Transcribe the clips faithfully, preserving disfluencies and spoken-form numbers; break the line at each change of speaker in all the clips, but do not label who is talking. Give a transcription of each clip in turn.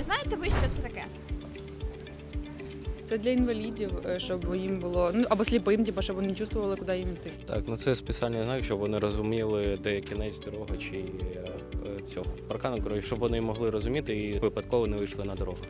знаєте ви, що це таке?
Це для інвалідів, щоб їм було, ну або сліпим, типу, щоб вони чувствували, куди їм йти.
Так, ну це спеціальний знак, щоб вони розуміли, де кінець дороги чи е, е, цього паркану, коротше, щоб вони могли розуміти і випадково не вийшли на дорогу.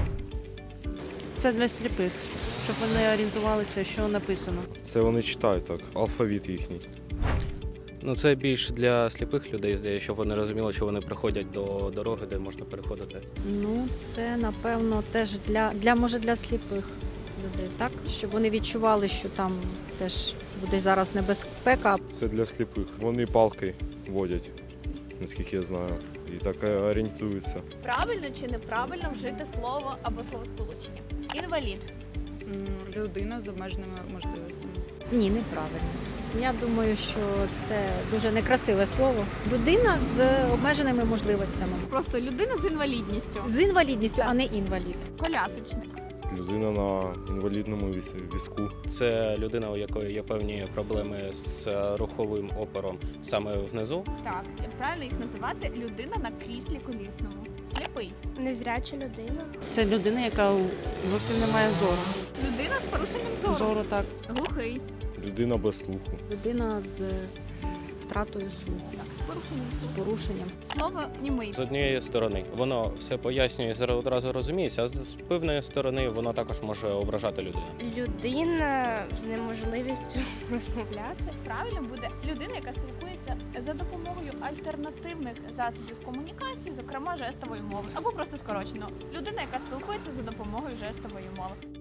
Це для сліпих, щоб вони орієнтувалися, що написано.
Це вони читають так, алфавіт їхній.
Ну це більш для сліпих людей, здається, щоб вони розуміли, що вони приходять до дороги, де можна переходити.
Ну, це, напевно, теж для, для може, для сліпих людей, так? Щоб вони відчували, що там теж буде зараз небезпека.
Це для сліпих. Вони палки водять, наскільки я знаю, і так орієнтуються.
Правильно чи неправильно вжити слово або словосполучення? Інвалід.
М, Людина з обмеженими можливостями.
Ні, неправильно. Я думаю, що це дуже некрасиве слово. Людина з обмеженими можливостями.
Просто людина з інвалідністю.
З інвалідністю, а не інвалід.
Колясочник.
Людина на інвалідному віз- візку.
Це людина, у якої є певні проблеми з е, руховим опором саме внизу.
Так, правильно їх називати людина на кріслі колісному. Сліпий.
Незряча людина.
Це людина, яка зовсім не має зору.
Людина з порушенням зору.
Зору так.
Глухий.
Людина без слуху.
Людина з втратою слуху,
Так, з порушенням
з
зору.
порушенням.
Слово німий.
З однієї сторони воно все пояснює, і одразу розуміється, а з певної сторони воно також може ображати людину.
Людина з неможливістю розмовляти.
Правильно буде людина, яка спілкується за допомогою альтернативних засобів комунікації, зокрема жестової мови, або просто скорочено людина, яка спілкується за допомогою жестової мови.